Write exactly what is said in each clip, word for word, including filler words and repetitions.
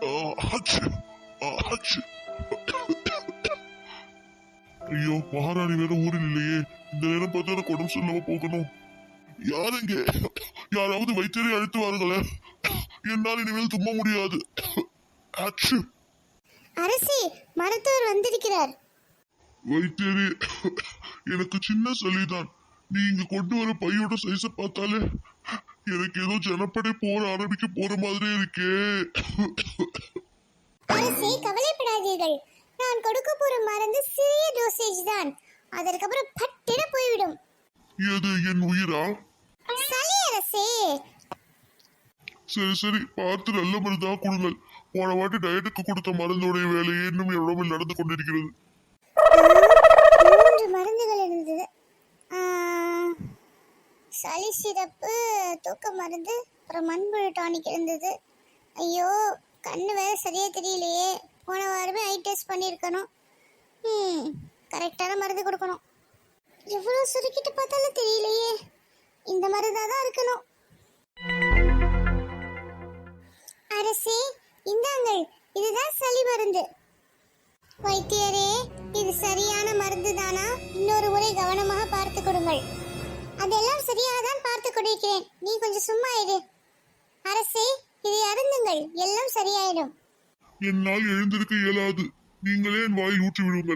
ஐயோ, மகாராணி வேற ஊரில் இல்லையே. இந்த நேரம் பார்த்து எனக்கு உடம்பு சொல்லாம போகணும். யாருங்க? யாராவது வைத்தியரை அழைத்து வாருங்களேன். என்னால் இனிமேல் தும்ப முடியாது. அரசே, மருத்துவர் வந்திருக்கிறார். வைத்தியரே, எனக்கு சின்ன சளிதான். நீங்க கொண்டு வர பையோட சைஸ பார்த்தாலே எனக்கு ஏதோ ஜனப்படை போற ஆரம்பிக்க போற மாதிரி இருக்கே. அரசே, கவலைப்படாதீர்கள். நான் கொடுக்க போற மருந்து சிறிய டோசேஜ் தான். அதற்கப்புறம் பட்டிட போய்விடும். எது, என் உயிரா? சளி அரசே. சரி சரி, பார்த்து நல்ல மருந்தா கொடுங்கள். போன வாட்டி டயட்டுக்கு கொடுத்த மருந்தோடைய வேலையே இன்னும் என் உடம்பில் நடந்து கொண்டிருக்கிறது. மூன்று மருந்துகள் இருந்தது. சளி சிறப்பு, தூக்க மருந்து, அப்புறம் மண்புழு டானிக் இருந்தது. ஐயோ, கண்ணு வேற சரியா தெரியலையே. போன வாரமே ஐ டெஸ்ட் பண்ணியிருக்கணும். ம் கரெக்டான மருந்து கொடுக்கணும். எவ்வளோ சுருக்கிட்டு பார்த்தாலும் தெரியலையே. இந்த மருந்தாக தான் இருக்கணும். அரசே, இந்தாங்கள், இதுதான் சளி மருந்து. வைத்தியரே, இது சரியான மருந்து தானா? இன்னொரு முறை கவனமாக பார்த்து கொடுங்கள். அதெல்லாம் சரியாக தான் பார்த்து கொண்டிருக்கிறேன். நீ கொஞ்சம் சும்மா இரு. அரசே, இதை அருந்துங்கள், எல்லாம் சரியாயிடும். என்னால் எழுந்திருக்க இயலாது. நீங்களே என் வாயில் ஊற்றி விடுங்கள்.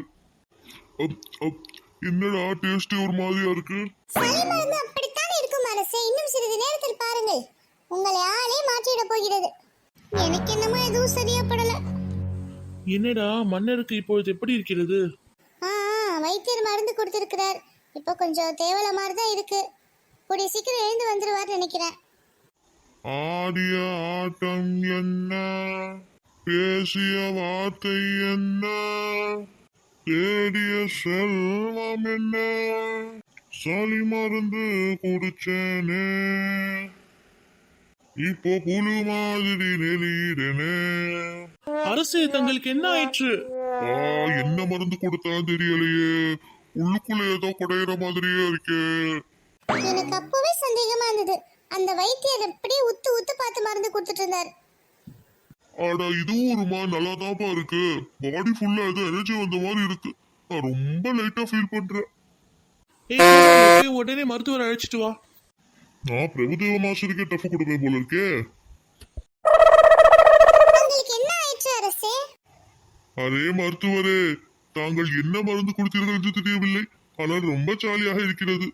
என்னடா டேஸ்ட் ஒரு மாதிரியா இருக்கு? சளி மருந்து அப்படித்தான் இருக்கும் அரசே. இன்னும் சிறிது நேரத்தில் பாருங்கள், உங்களை ஆளே மாற்றிட போகிறது. எனக்கு என்னமோ எதுவும் சரியா படல. என்னடா மன்னருக்கு இப்பொழுது எப்படி இருக்கிறது? ஆ வைத்தியர் மருந்து கொடுத்திருக்கிறார். இப்போ கொஞ்சம் தேவல மாதிரி தான் இருக்கு. கூடிய சீக்கிரம் எழுந்து வந்துருவார் நினைக்கிறேன். ஆடிய ஆட்டம் என்ன, பேசிய வார்த்தை என்ன, தேடிய செல்வம் என்ன, சளி மருந்து குடிச்சேனே, இப்போ புழு மாதிரி நெளியிடனே. அரசு, தங்களுக்கு என்ன ஆயிற்று? என்ன மருந்து கொடுத்தாலும் தெரியலையே. உள்ளுக்குள்ள ஏதோ குடையிற மாதிரியே இருக்கே. எனக்கு அப்பவே சந்தேகமா இருந்தது. அந்த வைத்தியர் அப்படியே உத்து உத்து பார்த்து மருந்து கொடுத்துட்டு இருந்தார். ஆடா, இதுவும் ஒரு மாதிரி நல்லாதான்ப்பா இருக்கு. பாடி ஃபுல்லா ஏதோ எனர்ஜி வந்த மாதிரி இருக்கு. நான் ரொம்ப லைட்டா ஃபீல் பண்றேன். உடனே மருத்துவர் அழைச்சிட்டு வா. நான் பிரபுதேவ மாஸ்டருக்கே டஃப் கொடுப்பேன் போல இருக்கே. அரே மருத்துவரே, தாங்கள் என்ன மருந்து கொடுத்தீர்கள் என்று தெரியவில்லை. ஆனால் ரொம்ப ஜாலியாக இருக்கிறது.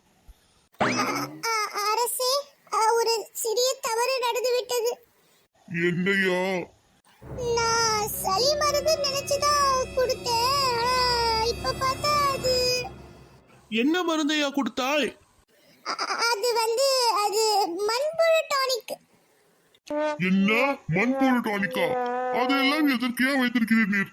அரசே, ஒரு சிறிய தவறு நடந்துவிட்டது. என்னையா? நான் சளி மருந்து நினைச்சுதான் கொடுத்தேன். இப்ப பார்த்தா அது என்ன மருந்தையா கொடுத்தாய்? அது வந்து அது மண்புழு டானிக். என்ன மண்புழு டானிக்கா? அதெல்லாம் எதற்கே வைத்திருக்கிறீர்?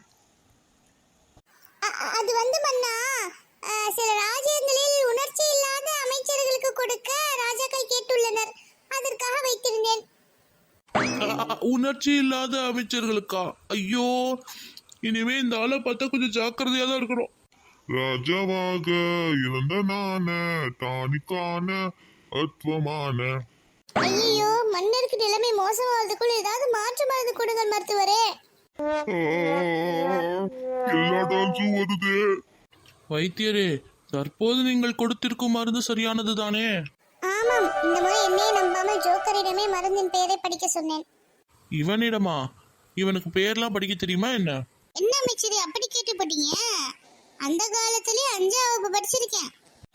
அது வந்து மன்னா, சில ராஜ்யங்களில் உணர்ச்சி இல்லாத அமைச்சர்களுக்கு கொடுக்க ராஜாக்கள் கேட்டுள்ளனர். அதற்காக வைத்திருந்தேன். உணர்ச்சி இல்லாத அமைச்சர்களுக்கா? ஐயோ, இனிமே இந்த ஆளை பார்த்தா கொஞ்சம் ஜாக்கிரதையா தான் இருக்கணும். ராஜாவாக இருந்த நான டானிக்கான அத்வமான. ஐயோ, மன்னருக்கு நிலைமை மோசமாவதுக்குள் ஏதாவது மாற்று மருந்து கொடுங்கள் மருத்துவரே. வைத்தியரே, தற்போது நீங்கள் கொடுத்திருக்கும் மருந்து சரியானது தானே? ஆமாம், இந்த முறை என்னையே நம்பாமல் ஜோக்கரிடமே மருந்தின் பெயரை படிக்க சொன்னேன். இவனிடமா? இவனுக்கு பெயர்லாம் படிக்க தெரியுமா என்ன? என்ன அமைச்சரே அப்படி கேட்டு போட்டீங்க? அந்த காலத்திலே அஞ்சாம் வகுப்பு படிச்சிருக்கேன்.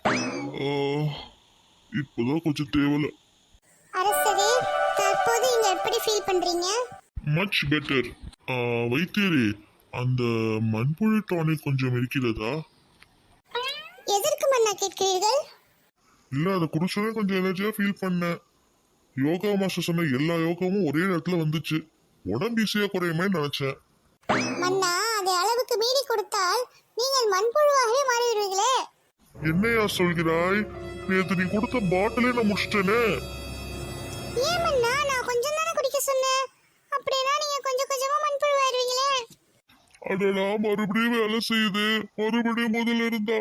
இப்போதான் கொஞ்சம் தேவல. அரசரே, தற்போது நீங்க எப்படி ஃபீல் பண்றீங்க? Much better. வைத்தியரே, அந்த மண்புழு டானிக் கொஞ்சம் இருக்கிறதா? எதற்கு மன்னா கேட்கிறீர்கள்? இல்ல, அதை குடிச்சோடனே கொஞ்சம் எனர்ஜியா ஃபீல் பண்ணேன். யோகா மாஸ்டர் சொன்ன எல்லா யோகாவும் ஒரே நேரத்துல வந்துச்சு. உடம்பு ஈஸியா குறையுமே நினைச்சேன். மன்னா, அதை அளவுக்கு மீறி கொடுத்தால் நீங்கள் மண்புழுவாகவே மாறிடுவீங்களே. என்னையா சொல்கிறாய்? நேத்து நீ கொடுத்த பாட்டிலே நான் முடிச்சிட்டேனே. ஏன் மன்னா, நான் கொஞ்சம் தானே குடிக்க சொன்னேன். அப்படினா நீங்க கொஞ்சம் கொஞ்சமா மண்புழுவாயிருவீங்களே. அடடா, மறுபடியும் வேலை செய்யுது. மறுபடியும் முதல்ல இருந்தா.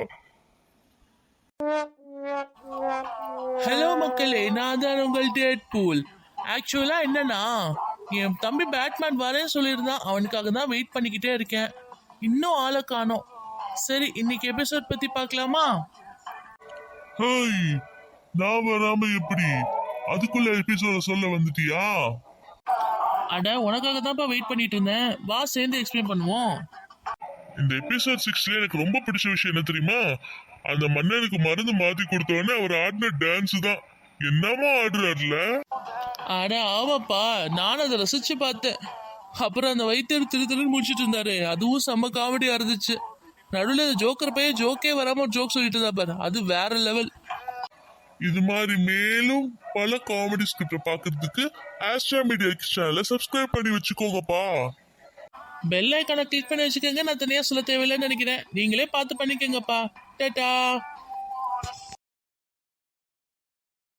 ஹலோ மக்களே, நான் தான் உங்கள் டேட்பூல். ஆக்சுவலா என்னன்னா, என் தம்பி பேட்மேன் வரேன்னு சொல்லியிருந்தான், அவனுக்காக தான் வெயிட் பண்ணிக்கிட்டே இருக்கேன். இன்னும் ஆளை காணோம். சரி, இன்னைக்கு எபிசோட் பத்தி பார்க்கலாமா? ஹேய், நான் வராம எப்படி அதுக்குள்ள எபிசோட சொல்ல வந்துட்டியா? அட, உனக்காக தான்ப்பா வெயிட் பண்ணிட்டு இருந்தேன். வா, சேர்ந்து எக்ஸ்பிளைன் பண்ணுவோம். இந்த எபிசோட் சிக்ஸ்ல எனக்கு ரொம்ப பிடிச்ச விஷயம் என்ன தெரியுமா? அந்த மன்னனுக்கு மருந்து மாத்தி கொடுத்தவொடனே அவர் ஆடின டான்ஸ் தான். என்னமா ஆடுறாருல. அட ஆமாப்பா, நானும் அதை ரசிச்சு பார்த்தேன். அப்புறம் அந்த வைத்தியர் திரு திருன்னு முடிச்சிட்டு இருந்தாரு, அதுவும் செம்ம காமெடியா இருந்துச்சு. நடுவில் ஜோக்கர் பையன் ஜோக்கே வராம ஒரு ஜோக் சொல்லிட்டு இருந்தா பாரு, அது வேற லெவல். இது மாதிரி மேலும் பல காமெடி ஸ்கிரிப்ட் பாக்குறதுக்கு ஆஸ்ட்ரா மீடியா சேனலை சப்ஸ்கிரைப் பண்ணி வச்சுக்கோங்கப்பா. பெல் ஐக்கானை கிளிக் பண்ணி வச்சுக்கோங்க. நான் தனியா சொல்ல தேவையில்லைன்னு நினைக்கிறேன். நீங்களே பார்த்து பண்ணிக்கோங்கப்பா. டாடா.